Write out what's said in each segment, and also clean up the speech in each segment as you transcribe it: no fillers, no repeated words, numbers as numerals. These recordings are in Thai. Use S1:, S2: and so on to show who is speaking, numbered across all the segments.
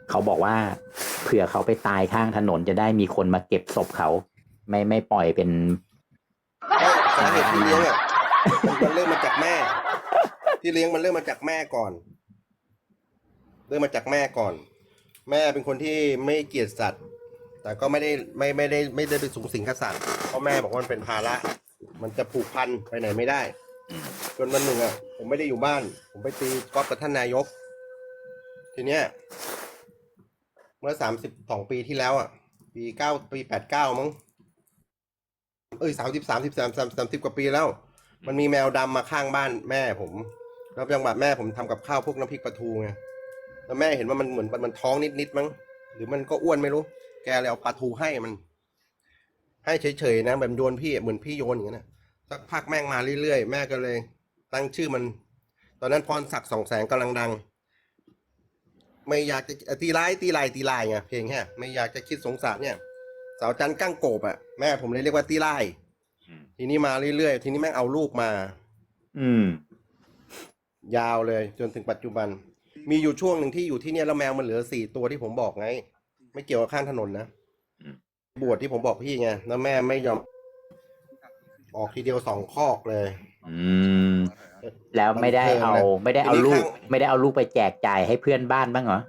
S1: เขาบอกว่าเผื่อเขาไปตายข้างถนนจะได้มีคนมาเก็บศพเขาไม่ปล่อยเป็น
S2: ไม่สาเหตุที่เลี้ยงอ่ะมันเริ่มมาจากแม่ ที่เลี้ยงมันเริ่มมาจากแม่ก่อนเริ่มมาจากแม่ก่อน แม่เป็นคนที่ไม่เกลียดสัตว์ แต่ก็ไม่ได้ไปสูงสิงกับสัตว์เพราะแม่บอกว่ามันเป็นภาระมันจะผูกพันไปไหนไม่ได้จนวันหนึ่งอ่ะผมไม่ได้อยู่บ้าน ผมไปตีกอล์ฟกับท่านนายก ทีเนี้ยเมื่อ32 ปีที่แล้วอ่ะปี89มั้ง30 กว่าปีแล้ว มันมีแมวดำมาข้างบ้านแม่ผมแล้วจังหวะแม่ผมทำกับข้าวพวกน้ำพริกปลาทูไงแล้วแม่เห็นว่ามันเหมือนมันท้องนิดมั้งหรือมันก็อ้วนไม่รู้แกเลยเอาปลาทูให้มัน ให้เฉยๆนะแบบโยนพี่เหมือนพี่โยนอย่างนั้นนะสักพักแม่งมาเรื่อยๆแม่ก็เลย ตั้งชื่อมัน ตอนนั้นพรศักดิ์200,000กำลังดัง ไม่อยากจะตีร้ายไงเพลงแค่ไม่อยากจะคิดสงสารเนี่ยสาวจันกั้งโกบอ่ะแม่ผมเลยเรียกว่าตีร้ายทีนี้มาเรื่อยๆทีนี้แม่งเอาลูกมา
S1: อืม
S2: ยาวเลยจนถึงปัจจุบัน มีอยู่ช่วงหนึ่งที่อยู่ที่เนี่ยแล้วแมวมันเหลือ4 ตัวที่ผมบอกไง ไม่เกี่ยวกับข้างถนนนะบวชที่ผมบอกพี่ไงแล้วแม่ไม่ยอมออกทีเดียว2 คอกเลย
S1: อืม แล้วไม่ได้เอาไม่ได้เอาลูกไปแจกจ่ายให้เพื่อนบ้านบ้างเหรอ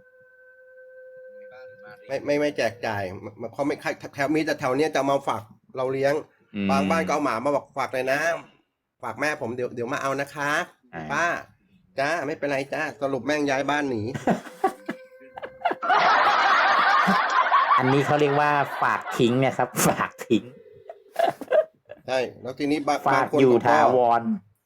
S2: ไม่แจกจ่ายเขาไม่แถวมีแต่แถวเนี้ยจะมาฝากเราเลี้ยง บางบ้านก็เอาหมามาบอกฝากเลยนะฝากแม่ผมเดี๋ยวมาเอานะคะป้าจ้าไม่เป็นไรจ้าสรุปแม่งย้ายบ้านหนี
S1: อันนี้เขาเรียกว่าฝากทิ้งนะครับ ฝากทิ้ง
S2: ใช่แล้วทีนี้
S1: ฝาก
S2: บางคน
S1: อยู่
S2: ก็
S1: ถาวร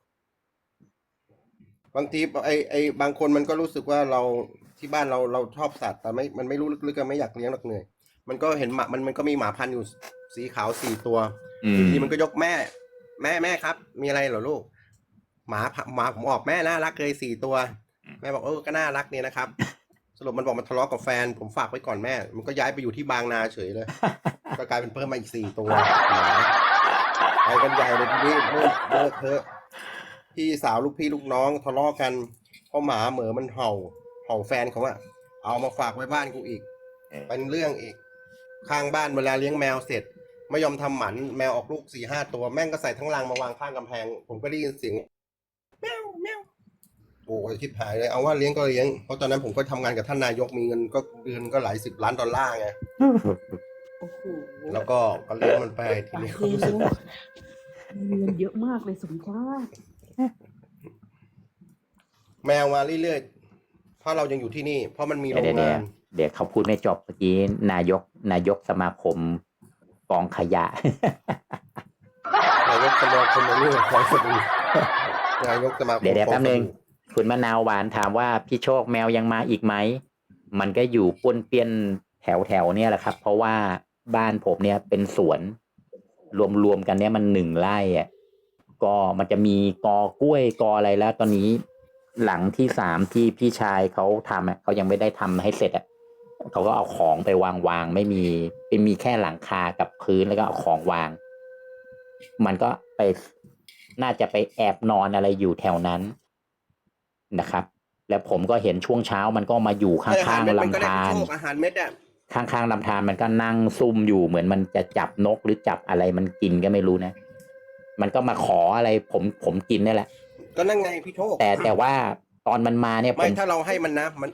S2: บางทีไอบางคนมันก็รู้สึกว่าเราที่บ้านเราชอบสัตว์แต่มันไม่รู้ลึกๆก็ไม่อยากเลี้ยงหรอกเหนื่อยมันก็เห็นหมามันก็มีหมาพันธุ์อยู่สีขาว4 ตัวทีมันก็ยกแม่ครับ มีอะไรเหรอลูกหมาผมออกแม่น่ารักเลย4 ตัวแม่บอกก็น่ารักเนี่ยนะครับ สรุปมันบอกมันทะเลาะกับแฟนผมฝากไว้ก่อนแม่มันก็ย้ายไปอยู่ที่บางนาเฉยเลย ก็กลายเป็นเพิ่มมาอีก4 ตัวหมาไปกันใหญ่เลยทีนี้เลิกเถอะพี่สาวลูกพี่ลูกน้องทะเลาะกันเพราะหมาเหมือมันเห่าแฟนเขาอะเอามาฝากไว้บ้านกูอีกเป็นเรื่องอีกข้างบ้านเวลาเลี้ยงแมวเสร็จไม่ยอมทำหมันแมวออกลูก4-5 ตัวแม่งก็ใส่ทั้งรังมาวางข้างกำแพงผมก็ได้ยินเสียงแมวโอ้ยคิดหายเลยเอาว่าเลี้ยงก็เลี้ยงเพราะตอนนั้นผมก็ทำงานกับท่านนายกมีเงินก็เดือนก็หลาย10 ล้านดอลลาร์ไง
S3: โอ้โห
S2: แล้วก็เลี้ยงมันไปทีนี้ก็รู้สึก
S3: มีเงินเยอะมากเลยสมชาติ
S2: แมวมาเรื่อยๆเพราะเรายังอยู่ที่นี่ เพราะมันมีโรงงาน
S1: เดี๋ยวเขาพูดไม่จบเมื่อกี้นายกสมาคมกองขยะ
S2: นายกสมาคมนี่ของสบู่นายกสมาคม
S1: เดี๋ยวแป๊บนึงคุณมะนาวหวานถามว่าพี่โชคแมวยังมาอีกไหมมันก็อยู่ป้วนเปี้ยนแถวเนี่ยแหละครับ เพราะว่าบ้านผมเนี่ยเป็นสวนรวมกันเนี่ยมัน1 ไร่อ่ะก็มันจะมีกอกล้วยกออะไรแล้ว ตอนนี้หลังที่3ที่พี่ชายเขาทำอ่ะเขายังไม่ได้ทำให้เสร็จอ่ะเขาก็เอาของไปวางไม่มีแค่หลังคากับพื้นแล้วก็เอาของวาง มันก็ไปน่าจะไปแอบนอนอะไรอยู่แถวนั้นนะครับ แล้วผมก็เห็นช่วงเช้ามันก็มาอยู่ข้างๆลำธาร
S2: อาหารเม็ดอ่ะ
S1: ข้างๆลำธารมันก็นั่งซุ่มอยู่เหมือนมันจะจับนกหรือจับอะไรมันกินก็ไม่รู้นะ มันก็มาขออะไรผมกินนี่แหละ
S2: ก็นั่งไงพี่โชค
S1: แต่ว่าตอนมันมาเนี่ย
S2: ไม่ถ้าเราให้มันนะมัน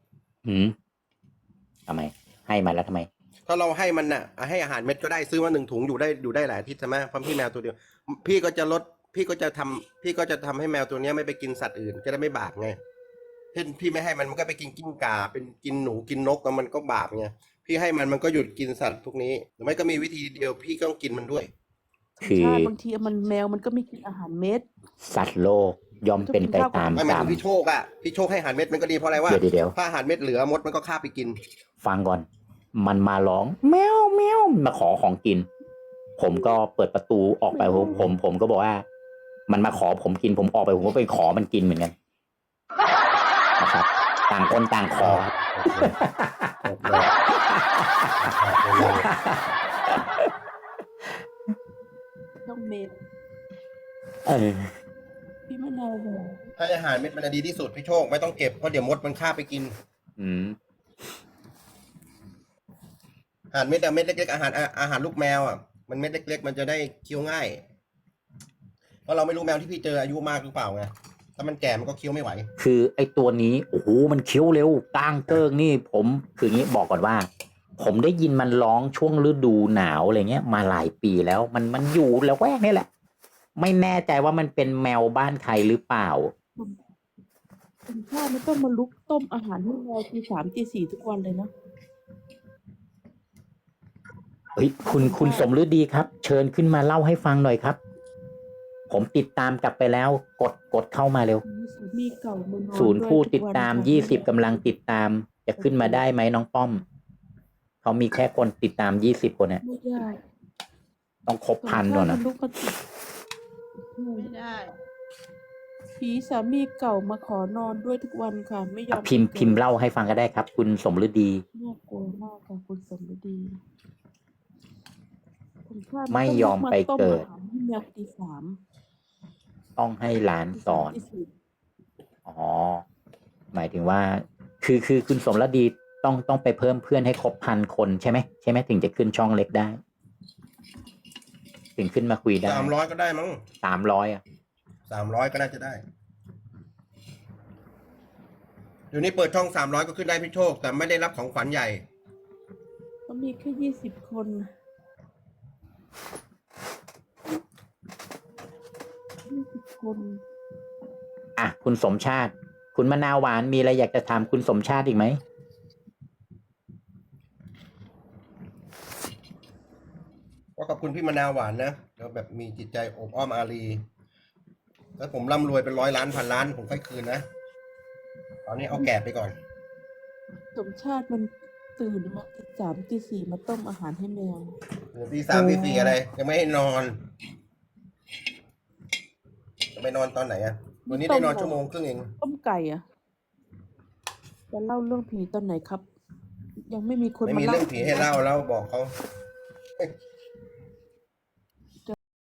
S1: ทำไมให้มันแล้วทำไม
S2: ถ้าเราให้มันน่ะให้อาหารเม็ดก็ได้ซื้อมา1 ถุงอยู่ได้หลายอาทิตย์ใช่ไหมเพราะพี่แมวตัวเดียวพี่ก็จะทำให้แมวตัวเนี้ยไม่ไปกินสัตว์อื่นจะได้ไม่บาปไงเช่นพี่ไม่ให้มันก็ไปกินกิ้งก่าเป็นกินหนูกินนกแล้วมันก็บาปไงพี่ให้มันก็หยุดกินสัตว์พวกนี้หรือไม่ก็มีวิธีเดียวพี่ก็ต้องกินมันด้วย
S1: คือ
S3: บางทีแมวมันก็ไม่กินอาหารเม็ด
S1: สัตว์โลกย่อมเป็นไปตาม
S2: ไม่หมาย
S1: กรร
S2: ถึ
S1: ม
S2: งพี่โชคอะพี่โชคให้อาหารเม็ดมันก็ดีเพราะอะไรวะ
S1: เดี๋ยว
S2: ถ้าอาหารเม็ดเหลือมดมันก็คาบไปกิน
S1: ฟังก่อน มันมาร้องแมวมาขอของกิน ผมก็เปิดประตูออกไปผมก็บอกว่า มันมาขอผมกินผมออกไปผมก็ไปขอมันกินเหมือนกันนะครับต่างคนต่างขอ
S3: ต้องเม็ด พี่มะนาวบอก
S2: ให้อาหารเม็ดมันดีที่สุดพี่โชคไม่ต้องเก็บเพราะเดี๋ยวมดมันคาบไปกินอาหารเม็ดอะเม็ดเล็กๆอาหารลูกแมวอ่ะมันเม็ดเล็กๆมันจะได้เคี้ยวง่ายเพราะเราไม่รู้แมวที่พี่เจออายุมากหรือเปล่าไงถ้ามันแก่มันก็เคี้ยวไม่ไหว
S1: คือไอ้ตัวนี้โอ้โหมันเคี้ยวเร็วก้างเกิ้งนี่ผมคืองี้บอกก่อนว่า ผมได้ยินมันร้องช่วงฤดูหนาวอะไรเงี้ยมาหลายปีแล้วมันอยู่แล้วแวกนี่แหละ ไม่แน่ใจว่ามันเป็นแมวบ้านใครหรือเปล่า
S3: คุณพ่อไม่ต้องมาลุกต้มอาหารให้แมวตีสามตีสี่ทุกวันเลยนะ
S1: เฮ้ยคุณสมฤดีครับ เชิญขึ้นมาเล่าให้ฟังหน่อยครับ ผมติดตามกลับไปแล้ว กดเข้ามาเร็ว
S3: มีสามีเก่ามานอน
S1: ศูนย์
S3: ด้วย
S1: ผู้
S3: ทุ
S1: ติด
S3: วัน
S1: ตาม
S3: ค่ะ
S1: 20กำลังติดตาม จะขึ้นมาได้ไหมน้องป้อม เขามีแค่คนติดตาม20คนเนี่ย
S3: ไม่ได้
S1: ต้องครบพัน
S3: ส
S1: ก่อน
S3: ง
S1: นะ
S3: ลุกมาติด
S4: ไม่ได้
S3: ผีสามีเก่ามาขอนอนด้วยทุกวันค่ะ ไม่ยอม
S1: พิมพ์เล่าให้ฟังก็ได้ครับ คุณสมฤดี
S3: น่ากลัวมากค่ะคุณสมฤดีคุณพ่อ
S1: ไม่ยอมไปเกิด
S3: ต้มอาหารให้แมวตีสาม
S1: ต้องให้หลานสอน
S3: ตีสี่
S1: อ๋อ หมายถึงว่า คือคุณสมฤดีต้องไปเพิ่มเพื่อนให้ครบ1,000 คนใช่ไหมถึงจะขึ้นช่องเล็กได้ ถึงขึ้นมาคุยได้
S2: 300ก็ได้มั้ง
S1: 300อ่ะ
S2: 300ก็น่าจะได้เดี๋ยวนี้เปิดช่อง300ก็ขึ้นได้พี่โชค แต่ไม่ได้รับของขวัญใหญ่
S3: ก็มีแค่20 คน20 คน
S1: อ่ะคุณสมชาติ คุณมะนาวหวานมีอะไรอยากจะถามคุณสมชาติอีกไหม
S2: ก็ขอบคุณพี่มะนาวหวานนะแล้วแบบมีจิตใจอบอ้อมอารีแล้วผมร่ำรวยเป็น100 ล้านพันล้านผมค่อยคืนนะ ตอนนี้เอาแก่ไปก่อน
S3: สมชาติมันตื่นมาตีสามตีสี่มาต้มอาหารให้แมว
S2: ตี 3ตี 4อะไรยังไม่ให้นอนจะไปนอนตอนไหนอะวันนี้ได้นอน1 ชั่วโมงครึ่งเอง
S3: ต้มไก่อะจะเล่าเรื่องผีตอนไหนครับ ยังไม่มีคน
S2: ไม่
S3: มา
S2: มี
S3: เล่า
S2: เรื่องผีให้เล่าแล้วบอกเขา